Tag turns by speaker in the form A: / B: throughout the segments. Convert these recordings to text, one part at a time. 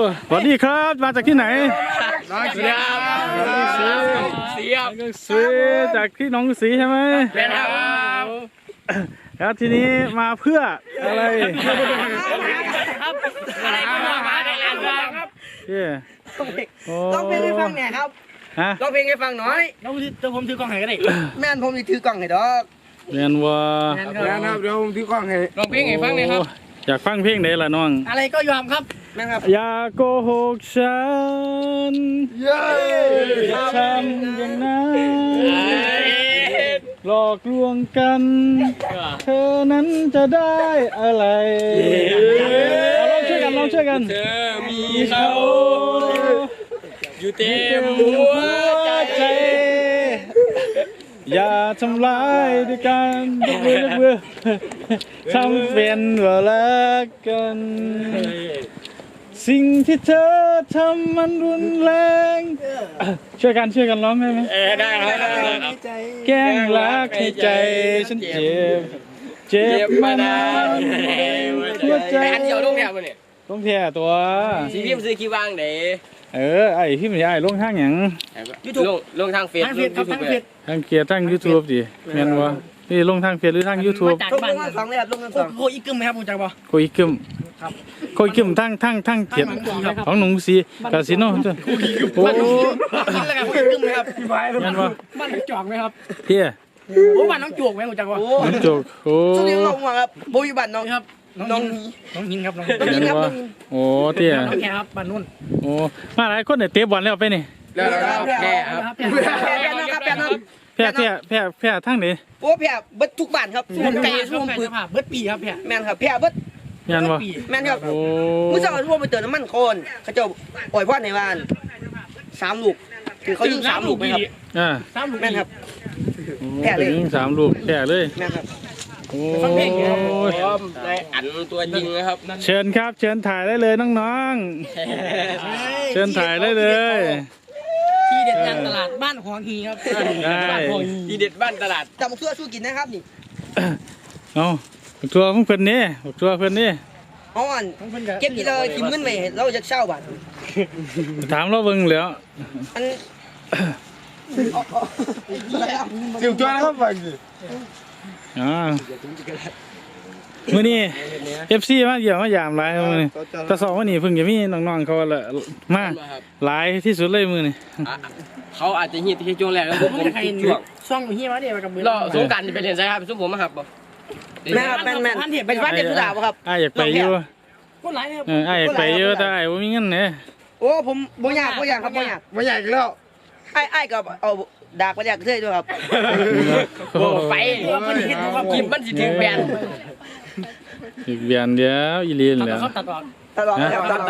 A: สวัสดีครับมาจากที่ไหน
B: น้องเสียบ
A: สีจากที่หนองสีใช่ไหม
B: เป็นครับ
A: แล้วทีนี้มาเพื่ออะไร
B: ครับอะไรก็มาได้แล้วครับ
C: ร้องเพลงให้ฟังหน่อยครับร้องเพลงให้ฟังหน่อย
B: แล้วผมถือกล้องให้ก็ได้
C: แม่นผมถือกล้องให้ดอก
A: เรียนว่า
D: แม่ครับเดี๋ยวผมถือกล้องให้
B: ร้องเพลงให้ฟังเลยครับ
A: อยากฟังเพลงไหนล่ะน้อง
B: อะไรก็ยอมครับ
C: แม่ครับ
A: อย่าโกหกฉันอย่าทำอย่างนั้นหลอกลวงกันเธอนั้นจะได้อะไรลองช่วยกัน
B: เธอมีเขาอยู่เต็มหัวใจ
A: อย่าทำร้ายด้วยกันยกมือทำเป็นว่ารักกันสิ่งที่เธอทำมันรุนแรงช่วยกันร้องได้ไหม
B: ได้ครับ
A: แกล้งรักให้ใจฉันเจ็บมานานหัวใจ
B: อันเดียวลงแถวมันเนี่ย
A: ลงแท่ตัว
B: สีพิมพ์ซื้อคิววางเด้
A: ไอ้พี่มันไอ้ลงทางอย่าง
B: ลงทางเฟซครับทางเฟซ
A: ทางเกียร์ทางยูทูบดิแม่นวะนี่ลงทางเฟซหรือทางยูทูบ
C: ลงทางสองเลยครับลงทางสอง
B: โคอีกึมไหมครับผมจังบ่
A: โคอีกึมโคอีกึมทั้งเกียร์ของหนุ่มสีกาสิโน่โอ้
B: กินแล้วกันโคอีกึมไหมครับ
A: แม่นวะ
B: บ้านน้องจอกไหมครับ
A: เที่ย
B: โอ้บ้านน้องจอกไหมผมจังบ่
A: น้องจอกโอ้
C: ช่วงนี้ลงมาครับโบยบัตน้อง
B: ครับน้องหินครับน้อง
A: หินครับโอ้เที่ย
B: น้องแกครับบ้านนุ่น
A: โอ้มาหลายคนเนี่ยเตะบอลแล้วไปนี่
B: แล้วแกครับ
A: แพ้ทั้งนี้
C: โอ้แพ้เบิดทุกบ้านครับ
B: ช่วงไก่ช่วงปืนเบิดปีครับแพ้
C: แม่นครับแพ้เบิด
A: แม่นวะ
C: แม่นครับมื้อเช้าพวกไปเติมน้ำมันโคนเขาเจ้าปล่อยพ่อในบ้าน3 ลูกคือเขายิง3 ลูกไหมครับ
B: 3 ลูก
C: แม่นครับ
A: แพ้เลยยิง3 ลูกแพ้เลย
C: แม่นครับ
A: โอ้
B: ได้อันตัวจริงนะครับ
A: เชิญครับเชิญถ่ายได้เลยน้องๆเชิญถ่ายได้เลย
B: ที่เด็ดย่างตลาดบ้านหองฮีครับที่เด็ดบ้านตลาด
C: จำทั่วสู้กินนะครับนี่
A: เอาทัวร์เพื่อนนี่ทัวร์เพื่อนนี่
C: อ๋อเก็บกี่เลยกินเงินไหมเราจะเช่าบ้าน
A: ถามเราเบิ่งแล้ว
D: สิวจ้าครับฟังสิ
A: มื้อนี้ FC มาเยี่ยมมายามหลายมื้อนี้แต่2วันนี้เพิ่งจะมีน้องๆเขาละมาหลายที่สุดเลยมื้อนี้
B: เขาอาจจะฮีดที่ช่วงแรกแล้วผมช่วงซ่องฮีดมาเดี๋ยวกับมือรอสงการจะไปเรียนใช่ครับซุ่มผมมาครับบ่
C: แม่ครับแม่ไปวัดเด็กสุดาบ่ครับ
A: อยากไปอยู่
B: คนหลายครับ
A: อยากไปอยู่แต่บ่มีเงินเนี่ย
C: โอ้ผมบ่อยากครับบ่อยาก
D: แล้ว
C: ไอ้ก็เอาดากไปอยากเท่ด้วยครับ
B: ไปกินมันสิถึงแบน
A: อีกเบียนเดียวอีลีนแล้ว
B: ตัด
C: ออก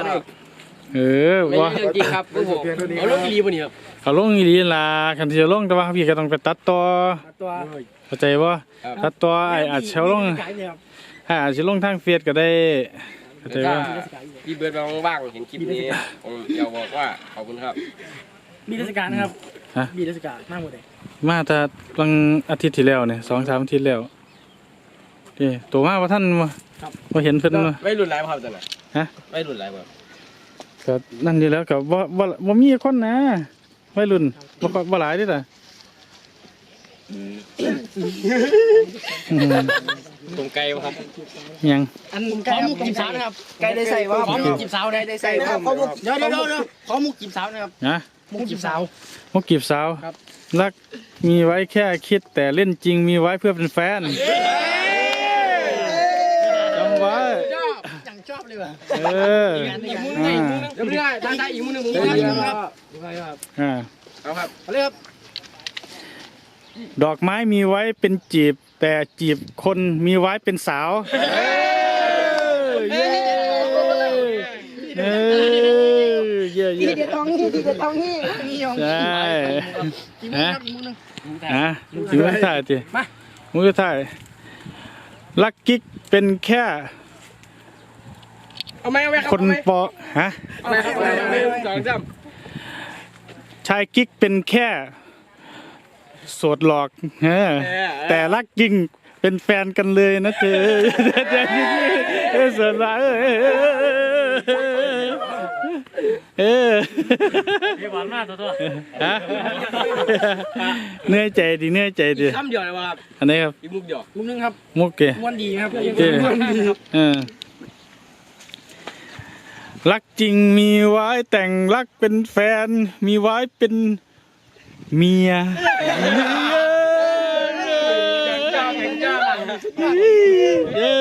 A: ว่า
B: จริงครับเอาลงอีลีบ่นี่ครับ
A: เขาลงอีลีล่ะคันที่จะลงแต่ว่าพี่ก็ต้องไปตัดต่อเข้าใจบ่ตัดต่ออาจจะลงอาจจะลงทางเฟซก็ได้เข้าใจบ่
B: พี่เบิร์ดว่างๆเห็นคลิปนี้ผมอยากบอกว่าขอบคุณครับมีเทศกาลนะครับมีเทศกาลมากหมดเลย
A: มาแต่วันอาทิตย์ที่แล้วเนี่ย2-3 อาทิตย์แล้วนี่ตัวมาว่าท่านว่าเห็นเพิ่น
B: ไม่รุนแรงครับจังไหนไม่รุนแรงครับ
A: ก็นั่นอยู่แล้วกับว่ามีคนนะไม่รุ่นว่าหลายดิล่ะ
B: ตรงไกลครับ
A: ยัง
B: อันขอมุกจีบสาวนะครับ
C: ไกลได้ใส่ว่า
B: ขอมุกจีบสาวได้ใส่นะครับเดี๋ยวขอมุกจีบสาวนะครับมุกจีบสาว
A: มุกจีบสาวรักมีไว้แค่คิดแต่เล่นจริงมีไว้เพื่อเป็นแฟนจำไว้
B: ชอบเลยว่ะ
A: อีกมือนึง
B: เดี๋ยวไม่ได้ได้อีกมือนึงครับครับเรียบ
A: ดอกไม้มีไว้เป็นจีบแต่จีบคนมีไว้เป็นสาว
C: ที่เด็ดทองนี่
A: ใช่ถึงมือถ่ายจีมือถ่ายลักกิ๊กเป็นแค่คนปอฮะชายกิ๊กเป็นแค่โสดหลอกแต่รักจริงเป็นแฟนกันเลยนะเธอโสดหลอกเออ
E: เรียบร้อยมากตัว
A: ฮะเหนื่อยใจดิเหนื่อยใจดิ
B: คำเดียวเลยวะครับ
A: อันนี้ครับ
B: อีกมุกเดียว
E: มุมนึงครับ
A: มุกเก
E: ม้วนดีครับ
A: เจ้รักจริงมีไว้แต่งรักเป็นแฟน มีไว้เป็นเมียเย้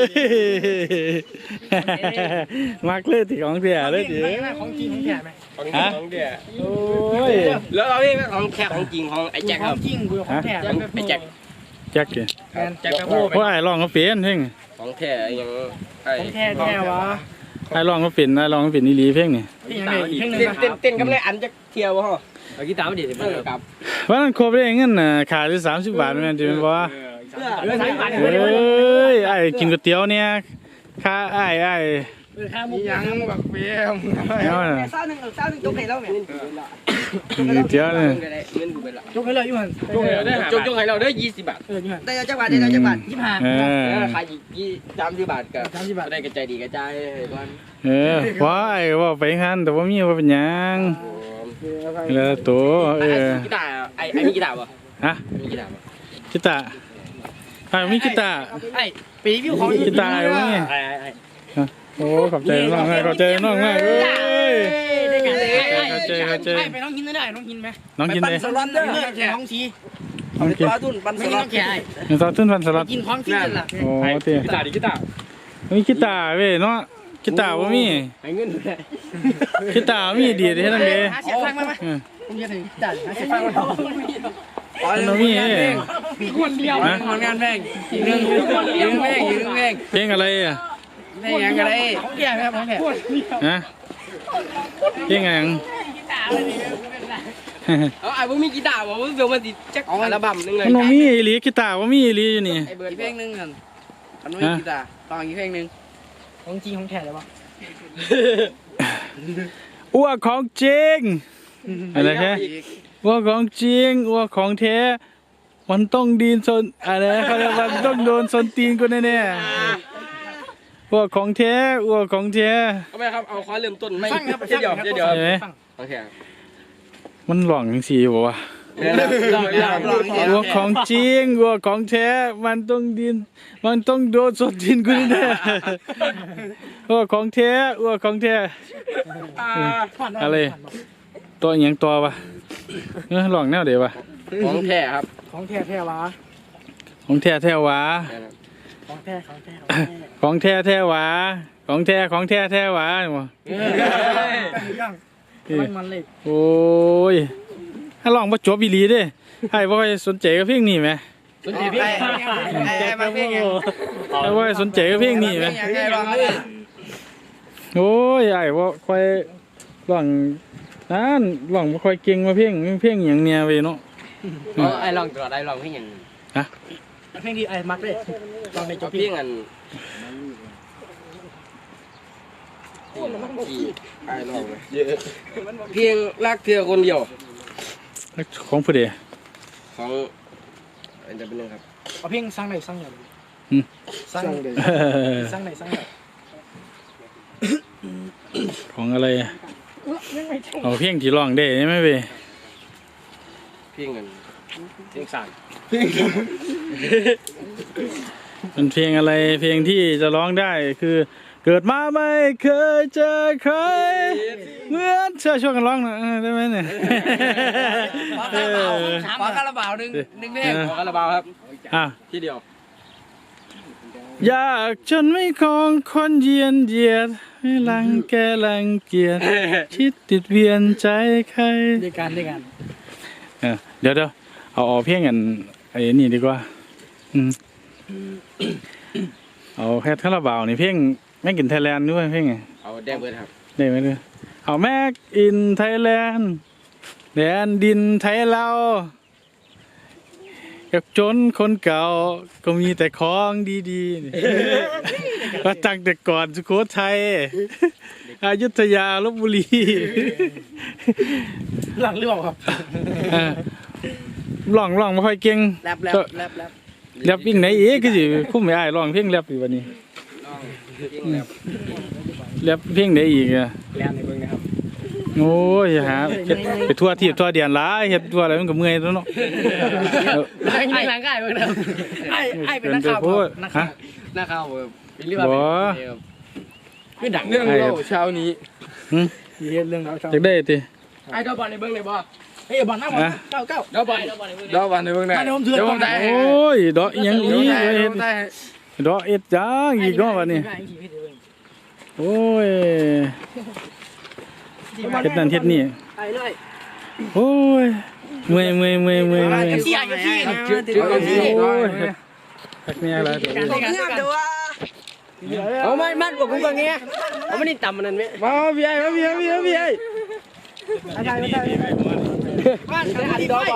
A: มักเลยที่ของเสียเลยดิ
E: ของจริงของแท้ไหม
B: ของเดียว
A: โอ้ย
B: แล้วเรานี่ของแค่ของจริงของไอ้แจ็ค
E: ข
B: ค
E: อ
B: รับ
E: งจริงกูของแท้
B: ไอ้แจ็ค
A: แจ็คเก
B: แจ็คกระโปง
A: เพราะไอ้ร้องก็เปลี่ยนเพลง
B: ของแท้ยังไอ้
E: ของแท้แท้วะ
A: ไอ้ร้องก็เปลี่ยนไอ้ร้องก็เปลี่ยนอีหลีเพลงนี่
E: ที่ยังไงอีกเพลงนึง
B: เต้นกับเลยอันจะเที่ยววะเอากีตาร์มาดิเพื่อนกับ
A: วันนั้นครบได้เงินน่ะขาดอยู่30 บาทแม่นจิแม่นบ่
E: เรื่องสายพันธุ์
A: เอ้ยไอ้กินก๋วยเตี๋ยวเนี่ยค่าไอ้
E: ค่ามุก
D: ยังบักเบี้ยม
A: เอาน่ะ
C: เศร้าหนึ่งยกให้เราแม่
A: กินก๋วยเตี๋ยวเนี่ย
B: เงินกูเป็นละ
E: ยกให้เลยอยู่มัน
B: จงให้เราได้20 บาท
E: อยู่มัน
C: ได้จังหวัดได้จังหวัด
A: เออ
B: ขายอีก30 บาทกับได้กระจายดีกระจายก่อน
A: เออว่าไอ้ว่าไปงั้นแต่ว่ามีว่าเป็นหยังแล้วตัวเออ
B: กีตาร์ไอ้มีกีตาร์ป่ะ
A: ฮะ
B: มีกีตาร์ป่ะ
A: กีตาร์ไอ้มีกีตาร์
E: ไอ้ปีวิวของ
A: กีตาร์ไอ้ว่าไงโอ้ขอบใจน้องมากขอบใจน้องมากเอ้ย
E: ได้กันเลย
A: เข้าใจ
E: ไปน้องกินได้น้องกินไหม
A: น้องกินเลย
E: สลัดเด้อน้องชี
A: น้องกิน
C: ปลาตุ้นปัน
E: ไม่
C: ส
E: กิน
C: ลั
E: น้
C: ด
E: องแก่
A: น้องซอสทุ่นพันสลัด
E: กินของที่นั่นล่ะ
A: โอ้เตี้ย
B: กีตาร์ดิกีตาร์
A: มีกีตาร์เว้ยเนาะกีตาร์ว่ามี
B: ให้เงินด้วย
A: กีตาร์มีดีเด้นั่นเด้
E: หาเสียงฟังมาผมจะถึงจัดหาเสียงฟังมา
A: มันมี
E: คนเดียว
A: ฮะ
C: ผลงานเพลงอีกหนึ่งเพลงอีกหนึ่งเพลง
A: เพลงอะไรอ่ะ
C: เพลงยังก็ได้
E: ของแก่ครับของแก่
A: ฮะเพลงอะไรยัง
B: เอาไอ้พวกมีกีตาร์บอกว่าเดี๋ยวมันติดแจ็คอัลบั้มนึงเลย
A: มันบ่มีอีหลีกีตาร์ว่ามีอีหลีอยู่นี่
B: ไอ้เบิร์ด
C: อีกเพลงหนึ่งกันอันนู้นกีตาร์ต่ออีกเพลงหนึ่ง
E: ของจริงของแท้เลยวะ
A: อ้วกของจริงอะไรแค่อ้วกของจริงอ้วกของแท้มันต้องดีนซนอะไรเขาเรียกว่ามันต้องโดนซนตีนกูแน่ๆอ้วกของแท้อ้วกของแท้
B: เอาไปครับเอาขอเริ่มต้นไม่เดี๋ยว
A: ใช่ไหม
B: โอเค
A: มันหลองจังซี่บ่วะ
B: ล
A: วัวของจริงวัวของแท้มันต้องดินมันต้องโดนสดดินกูแน่วัวของแท้วัวของแท้อะไรตัวอหย่างตัววะลองแนวเดี๋ยววะ
B: ของแท้ครับ
E: ของแท้แท้วะ
A: ของแท้แท้หวา
E: ของแท้ของแท้
A: ของแท้แท้หวาของแท้ของแท้แท้หวาบ่
E: มันเลย
A: โอ้ยถ้าลองบ่จบอีหลีเด้ให้บ่ค่อยสนใจกับเพลงนี้แหม
B: สนใจพี่
C: ไอ้มาเพลงยัง
A: ให้บ่ค่อยสนใจกับเพลงนี้แหม
C: ยังไงบ้างเลย
A: โอ้ยไอ้บ่ค่อยร้องนั่นร้องบ่ค่อยเก่งมาเพลงอหย่างเนี่ยเว้ยเนาะ
B: ไอ้ลองตัวไอ้ลองให้ยัง
E: เพลงที่ไอ้มักเลยลองในจ
B: เอา
E: บ
B: เพียงอันไอ้ลองเพียงรักเธอคนเดียว
A: ของผู้ใด
B: ของอันจะเป็นยังครับ
E: เอาเพลงสร้างไหนสร้างไหนสร้างไหนสร้างไหนสร้างไหน
A: ของอะไรเอาเพลงที่ร้องได้ใช่ไหมเว้ย
B: เพียงอันเพียงสั่น
A: มันเพลงอะไรเพลงที่จะร้องได้คือเกิดมาไม่เคยเจอใครเหมือนเชื่อช่วยกันร้องหน่อยได้ไหมเนี่ย
C: ขอคาราบาวหนึ่งเพลง
B: ขอกระบาครับ
A: อ่ะ
B: ที่เดียว
A: อยากจนไม่คองคนเยียนเหยียดไม่รังแกรังเกียจคิดติดเวียนใจใคร
E: ด้วยกันด้วยกัน
A: เดี๋ยวเอาเพลงกันไอ้นี่ดีกว่าเอาแค่คาราบาวนี่เพลงแม่กินไทยแลนด์ด้วยเพลงไง
B: เอาแดงเบิร์ดครับ
A: ได้ไหมเนี่ยเอาแม็กอินไทยแลนด์แดนดินไทยเรากับจนคนเก่าก็มีแต่ของดีๆมาตั้งแต่ก่อนสุโขทัยอยุธยาลพบุรี
E: หลังเรื่องครับ
A: ร้องไม่ค่อยเก่ง
C: แรป
A: แรปวิ่งไหนเอ๊ะคือสิคุ้มไม่อ้ายร้องเพลงแรปอยู่วันนี้
B: ลองเพียงแบบ
A: แรปเพลงไหนอีกอะ
E: แล้วในเบื้องนะครับ
A: โอ้ยหาเฮ็ดไปทั่วที่ทั่วเดียนหลายเฮ็ดทั่วอะไรมันก็เมื่อยแล้วเนาะ
B: ไอ้หลังง่ายเบิ่งนะไอ้เป็นนักข่าวฮะนักข่าวเป็นเรื่องคือดัง
D: เรื่องเล่าเช้านี้
E: เฮ็ดเรื่องเราชอบ
A: จักได้ติ
B: ไอ้เจ้าบอลในเบิ่งเลยบ่
E: เฮ้ยบอลหน้าบอลเก้า
B: เจ้าบอล
D: ดอกวันในเบื้องไหนเดี๋ยวผมได้
A: โอ้ยดอกอิหยังอีก
D: เดี๋
A: เฮ็
D: ยว
A: ด
D: ผมได้
A: ดอกเอ็ดจังอีกเนาะบัดนี้โอ้ยเฮ็ดนั่นเฮ็ดนี่
C: ไปเลย
A: โอ้ยเมื่อย
C: เสียอยู่ที่
A: โอ้ยพักเนี่ยอะไรตัวนี้
C: ผมงามแต่ว่า
B: เอามันบอกกูว่าไงเอามันนี่ต่ำมันนั่นไหม
D: มาพี่ไอ้มาพี่ไอ้พี่ไอ้
C: บ้านอาดีดอกบอล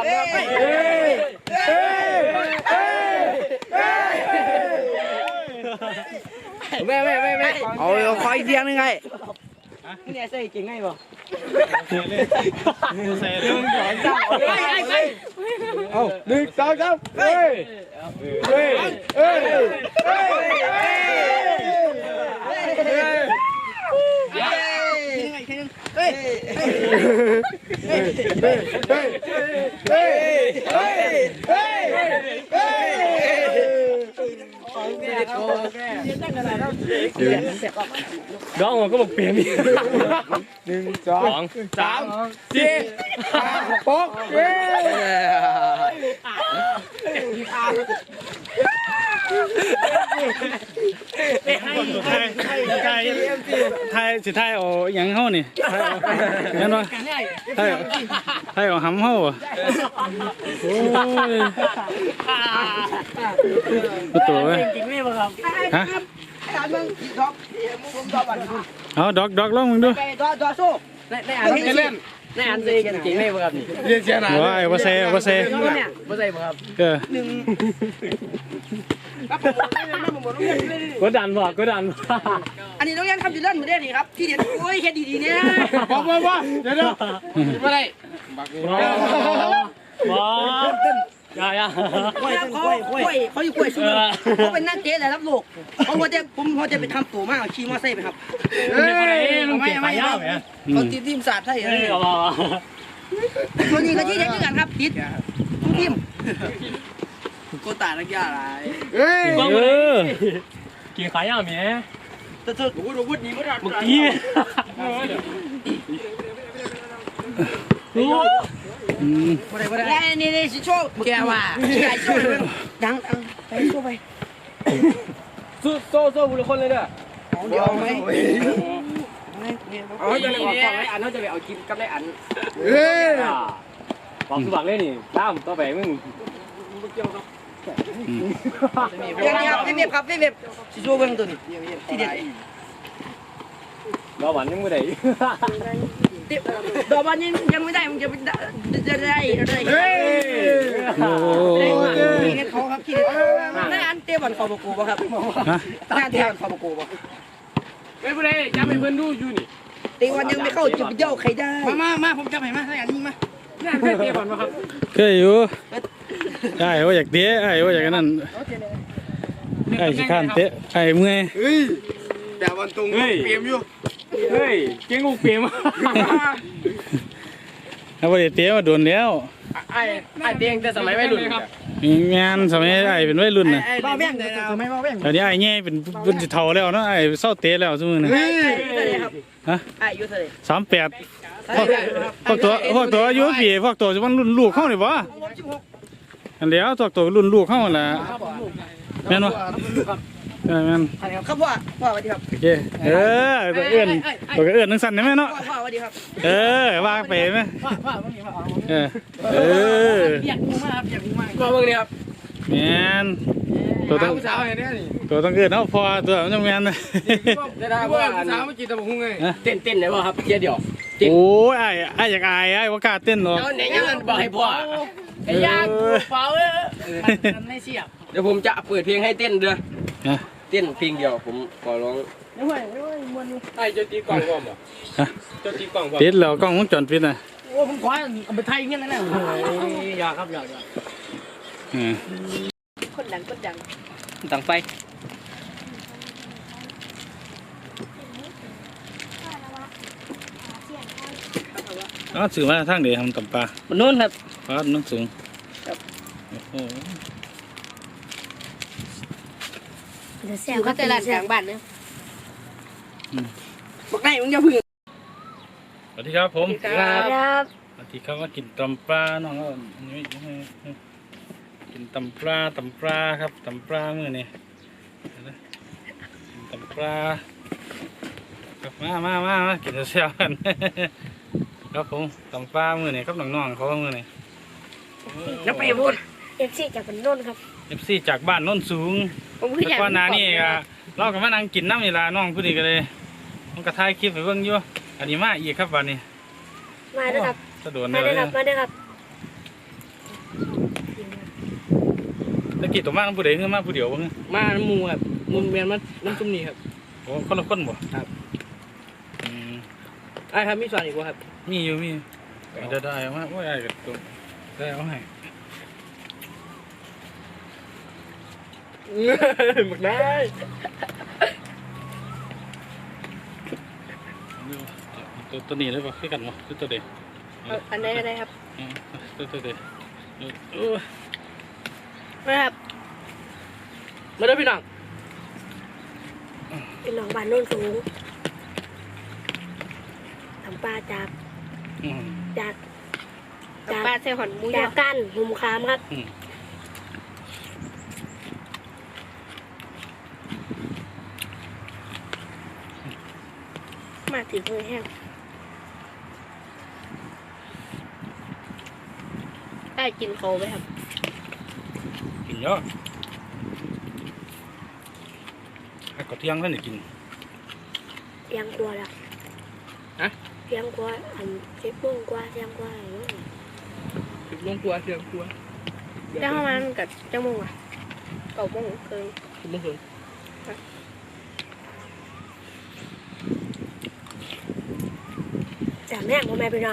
C: แม่
D: เอาคอยเดียงยังไง
C: เนี่ยใส่เก่งไงบ่
A: ใส่เรื่อง
D: เอา1 2 3เฮ้ยเฮ้ยเฮ้ยเฮ้
B: ร้องมันก็บอกเปลี่ยนอีก
D: 1 2 3 4 5 6เฮ้
A: ไทยสิไทยเอาหยังเฮานี่เห็นบ่ไทยเอาหำเฮาอ่ะโอ้ยตัวเว้ยฮะ
C: ถามมึงดอกมึงดอกบอล
A: เอาดอกลองมึงดู
C: ไปดอกสู้
B: ในอันนี้เล่นในอันซีกันจริงไหมครับนี่
D: เรียนเชียร์หนา
A: ว้ายบ่ใส่
B: ไม่ใช่ครับ กดดันบ่กดดัน
C: อันนี้ต้องยังทำอยู่เล่นเหมือนเดิมนี่ครับที่เด็ดโอ้ยเฮ็ดดีๆเนี่ย
D: ว่าเดี๋ยวไม่ได้
B: บ่อย่า
C: เขาอยู่กล้วยสู้เขาเป็นนักเตะแต่รับโลกเขาพอจะไปทำตัวมากขี่มอไซค์ไปครับ
B: ไม่
C: เขาทีมศาสตร์ไทย ตัวนี้ก็ยี่เด็กด้วยกันครับติดทุกทีมโคตานักกีฬาอะไร
D: เฮ้ย
B: กินขายย่าเมีย
C: แต่เธอโอ้โหวุฒินี้ไม่ได้
B: เมื่อกี้
C: นี่สิโชว์แกว่าใหญ่โชว์ดังไปโชว์ไป
B: โซ่บุรุษคนเลยเด้อ
C: เดี๋ยวไหม
B: เอาจะไปออกฟังไรอันเขาจะไปเอากินกับไรอัน
D: เฮ้ย
B: บอกสุบักเลยนี่ตามต่อไปมึง
C: เว็บครับเว็บสิโชว์เบิ่งตัวนี้ที่เด็ด
B: รอวันยังไม่ได้
C: ดอกบอลยังไม่ได้มึงจะได้อะไร
D: เฮ้ย
A: โอ้ย
C: ที่เด็ดเขาครับที่เด็ดนั่นอันเตะบอลคอปกูป่ะครับนั่นเตะบอลคอปกูป่ะ
B: ไม่เป็นไรจะไปเพื่อนดูอยู่นี่
C: เตะบอลยังไม่เข้าจุดเย้าใครได้
E: มาผมจะไปมาให้อันนี้มา
B: นี่เพื่อนเตะบอลมาครับ
A: เคยอยู่ได้ว่าอยากเตะไอ้ว่าอยากนั่นไอ้สิข้านเตะไอ้เมื่อย
D: เฮ้ยแต่วันตรงเปลี่ยนอยู่
B: เฮ้ยเก่งกูเปลี่ยน
A: ถ้าว่าได้เตะมาโดนแล้ว
B: ไอ้เตียงแต่สมัยวัยรุ่นครับ
A: งานสมัยไอ้เป็นวัยรุ่นน่ะ
E: บ้าแบ่งเลยนะไม่บ้าแบ่ง
A: ตอนนี้ไอ้แง่เป็นสิเฒ่าแล้วเนาะไอ้เศร้าเตะแล้วซุมื้อนี้
D: เฮ้ย
A: ฮะ
C: อายุเท่าไหร่
A: 38พวกตัวอายุพี่พวกตัวจะมันรุ่นลูกเฮานี่บ่อันแล้วพวกตัวรุ่นลูกเฮานั่นล่ะแม่นบ่แม่น
C: ครับพ่อสวัสดีครับ
A: โอเคตัวเอื้อนจังซั่นได้ไหมเนาะ
C: พ่อสวัสดีครับ
A: ว่าไปไหมเออ
E: อยากงูมากอยากงูมาก
B: ก็เมื่อนี้ครับ
A: แมนตัวต้อง
D: สาวเห็นเนี่ยนี่
A: ตัวต้องเอื้อนเอาพอตัวมันจะแมนนะ
B: ได้ได้
D: ว่า
B: ว่า
D: สาวเมื่อกี้ตะบุงไง
B: เต้นได้ป่ะครับเดียว
A: โอ้ยไอ้อยากอายไอ้ว่ากล้าเต้นหรอก
B: เอาไหนยังบอกให้พ่อไอ้ยากเปล่า
E: มันไม่เสียบ
B: เดี๋ยวผมจะเปิดเพลงให้เต้นเด้อเต้นเพลงเดียวผมขอร้อง
E: ไม่ไหวมวน
B: ไอ้เจ้าตีกล่องบ่บ่เจ้าตีกล่องบ่
A: ปิดแล้วกล้องวงจรปิดน่ะ
E: โอ้ผมขอเอาไปไทยเงี้ยนั่นแหละอยากครับอยาก
C: คนดังคนดัง
B: ตั้งไฟ
F: เ
A: อ๋อสื่อมาทางเดียวทำตำปลา
B: มันนู้นครับ
A: ปลาน้ำสูง
B: ครับ
A: โอ้โห
F: จะแซ่
C: อบ ยู่
F: ครั
C: ก็
F: บ
C: แต่ลานกลางบ้านเนี่ย
A: อืม
C: บอกได้มึงอย่าพึ่ง
A: สวัสดีครับผม
B: ครับ
F: ครับ
A: สวัสดีครับมากินตำปลาน้องก็นี่กินตำปลาครับตำปลามื้อนี้กินตำปลาครับมากินเสียวๆกัน ครับผมตำปลามื้อนี้ครับน้องๆเขามื้อนี้
C: นับไปพูด
F: เอฟซีจากบันโน่นครับ
A: FC จากบ้านโน้นสูง
C: ผมคือ
A: แล้
C: อยาก
A: วก็นานี่ก็เราก็มานั่งกินน้ำนี่ล่ะน้องผู้นี้ก็เลยมันก็ถ่ายคลิปให้เบิ่งอยู่อันนี้มาอีกครับวันนี้
F: มาด้วยครับ
A: สะดวก
F: มา
A: เล
F: ด้วย ยครับมาด้วยครับ
A: ตะกี้ตัวมาผู้ใดคือมาผู้เดียวบ่คือ
B: มาหมูครับมุนเวียนมันน้ำซุ่มนี่ครับ
A: โอ้คนละคนบ่
B: ครับ
A: อืม
B: ไอ้ครับมีส่วนอีกวะครับ
A: มีอยู่มีเดี๋ยวได้เอามาโอ้ยไอ้กับตัวได้เอาให้
B: หมดได้
A: ตัวนี้เลยป่ะคือกันบ่คือตัวเด็ก
C: อันไหนอะไรครับ
A: ตัวเด็ก
C: นะครับ
B: มาเด้อพี่น้อง
F: เป็นหนองบ้านโน่นสูงทำปลาจาก
A: อืม
F: จาก
C: ปลาเซลหอนหมูย
F: จา
C: อก
F: ก้านหุมขามครับ
A: อืม
F: มาถึงมือแห้ง
C: ได้กินเขาไหมครับ
A: กินเยอะให้ก็เที่ยงแล้วนี่กิน
F: เตียงกลัวแล้ว
B: ฮะ
F: เตียงกลัวอันเจ็บปุ้งกลัวเตียงกลัวอะไรอย่างเงี้ย
B: ถึงลงครัวเสียงครัว
C: แล้วประมาณกับจังมงอ่ะ9 โมงเกิน
B: ถึงลงสวน
F: แต่แม่งพ่อแม่พี่น้อง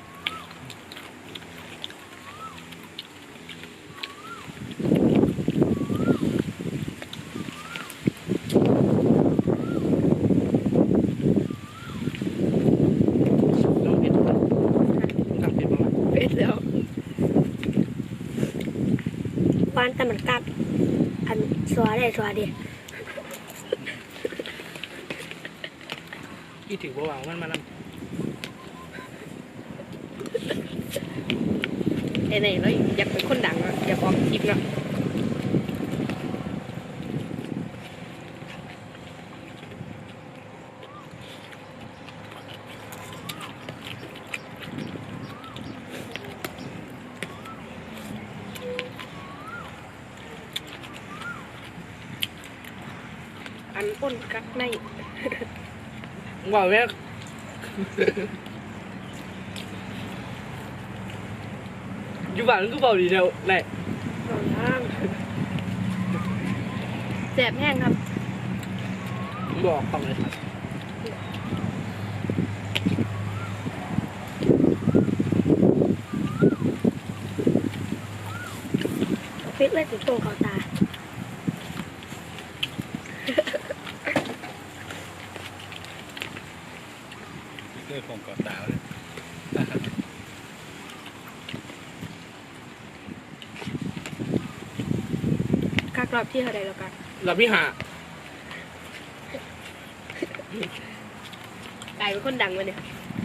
B: น้องเผ็ดครับเผ็ดประมาณ
C: เป็ดแล้ว
F: วานแต่มันกัดอันสัวได้สัวดี
B: กี่ถือว่าวางมันมานั่ง
C: ไหนๆเราอยากเป็นคนดังอ่ะอยากออกคลิปเนาะอันอ้นกักใน
B: ว่าวแม่อยู่บ้านมันก็เบาดีเดียวแหละ
F: หนองน้
C: แสบแห้งครับ
B: บอกต้องเลยครับ
F: ำฟิตเลยถึงตรงเขาตา
A: เรื่องของก่อนดาวเลย
C: กักรอบที่เท่าใดแล้วกัน
B: เราพี่หาก
C: ลายเป็นคนดังเลยเนี่ย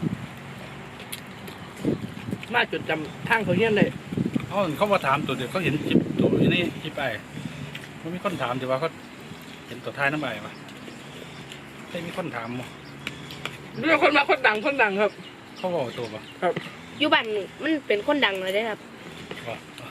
B: มาจดจำทางเขาเฮี้ยนเลย
A: เขามาถามตัวเดียวเขาเห็นคลิปตัวนี้คลิปไอ้มันมีคนถามแต่ว่าเขาเห็นตัวท้ายน้ำใบปะไม่มีคนถามมั้ง
B: เรื่องคนมาคนดังครับ
A: เขาบอกตัวปะ
C: อยู่บ้านมันเป็นคนดังเลยได้อครับ
A: ว่า